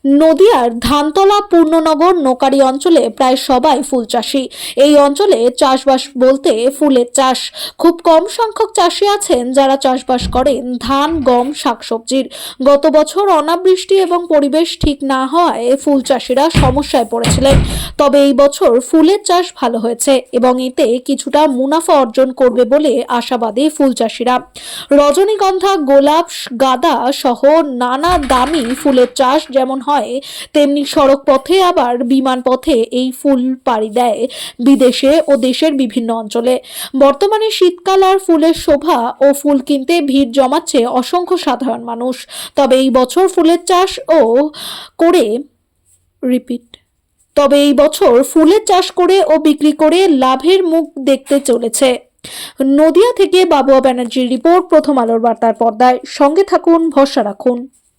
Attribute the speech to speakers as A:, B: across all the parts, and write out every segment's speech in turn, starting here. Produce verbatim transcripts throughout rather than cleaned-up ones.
A: নদিয়ার ধানতলা পূর্ণনগর নোকারি অঞ্চলে প্রায় সবাই ফুল চাষি। এই অঞ্চলে চাষবাস বলতে ফুলের চাষ। খুব কম সংখ্যক চাষি আছেন যারা চাষবাস করেন ধান, গম, শাকসবজির। গত বছর অনাবৃষ্টি এবং পরিবেশ ঠিক না হওয়ায় ফুল চাষিরা সমস্যায় পড়েছিলেন। তবে এই বছর ফুলের চাষ ভালো হয়েছে এবং এতে কিছুটা মুনাফা অর্জন করবে বলে আশাবাদী ফুল চাষিরা। রজনীগন্ধা, গোলাপ, গাঁদা সহ নানা দামি ফুলের চাষ যেমন হয় তেমনি সড়ক পথে আবার বিমান পথে এই ফুল পাড়ি দেয় বিদেশে ও দেশের বিভিন্ন অঞ্চলে। বর্তমানে শীতকাল আর ফুলের শোভা ও ফুল কিনতে ভিড় জমাচ্ছে অসংখ্য সাধারণ মানুষ। তবে এই বছর ফুলের চাষ ও করে রিপিট তবে এই বছর ফুলের চাষ করে ও বিক্রি করে লাভের মুখ দেখতে চলেছে। নদিয়া থেকে বাবুয়া ব্যানার্জির রিপোর্ট, প্রথম আলোর বার্তার পর্দায়। সঙ্গে থাকুন, ভরসা রাখুন।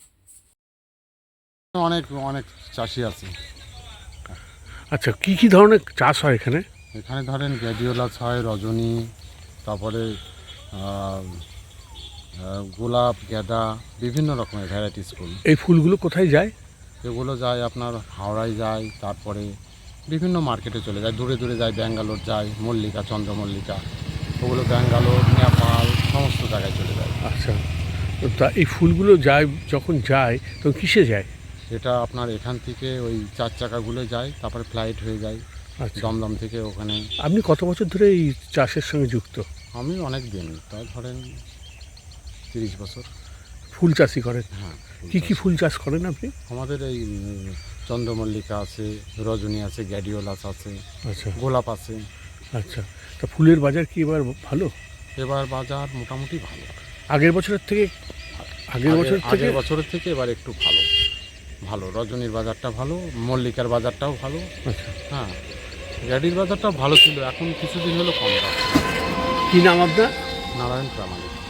B: অনেক অনেক চাষি আছে।
C: আচ্ছা, কি কি ধরনের চাষ হয় এখানে?
B: এখানে ধরেন গ্যাডিওলাস হয়, রজনী, তারপরে আহ, আহ, গোলাপ, গাঁদা, বিভিন্ন রকমের ভ্যারাইটিস ফুল।
C: এই ফুলগুলো কোথায় যায়?
B: এগুলো যায় আপনার হাওড়ায় যায়, তারপরে বিভিন্ন মার্কেটে চলে যায়, দূরে দূরে যায়, ব্যাঙ্গালোর যায়, মল্লিকা, চন্দ্রমল্লিকা, ওগুলো ব্যাঙ্গালোর, নেপাল সমস্ত জায়গায় চলে যায়।
C: আচ্ছা, তো তা এই ফুলগুলো যায়, যখন যায় তখন কিসে যায়?
B: এটা আপনার এখান থেকে ওই চার চাকাগুলো যায়, তারপরে ফ্লাইট হয়ে যায়
C: আচ্ছা,
B: দমদম থেকে ওখানে।
C: আপনি কত বছর ধরে এই চাষের সঙ্গে যুক্ত?
B: আমি অনেক দিন, তা ধরেন তিরিশ বছর।
C: ফুল চাষই করেন?
B: হ্যাঁ।
C: কি কি ফুল চাষ করেন আপনি?
B: আমাদের এই উম, চন্দ্রমল্লিকা আছে, রজনী আছে, গ্যাডিওলাস আছে,
C: আচ্ছা
B: গোলাপ আছে।
C: আচ্ছা, তা ফুলের বাজার কি এবার ভালো?
B: এবার বাজার মোটামুটি ভালো।
C: আগের বছরের থেকে? আগের
B: আগের-
C: বছর থেকে
B: আগের বছরের থেকে এবার একটু ভালো ভালো রজনীর বাজারটা ভালো, মল্লিকার বাজারটাও ভালো।
C: আচ্ছা,
B: হ্যাঁ, গ্যাডির বাজারটাও ভালো ছিল, এখন কিছুদিন হলো কম যাচ্ছে।
C: কি নাম আপনার?
B: নারায়ণ প্রামাণিক।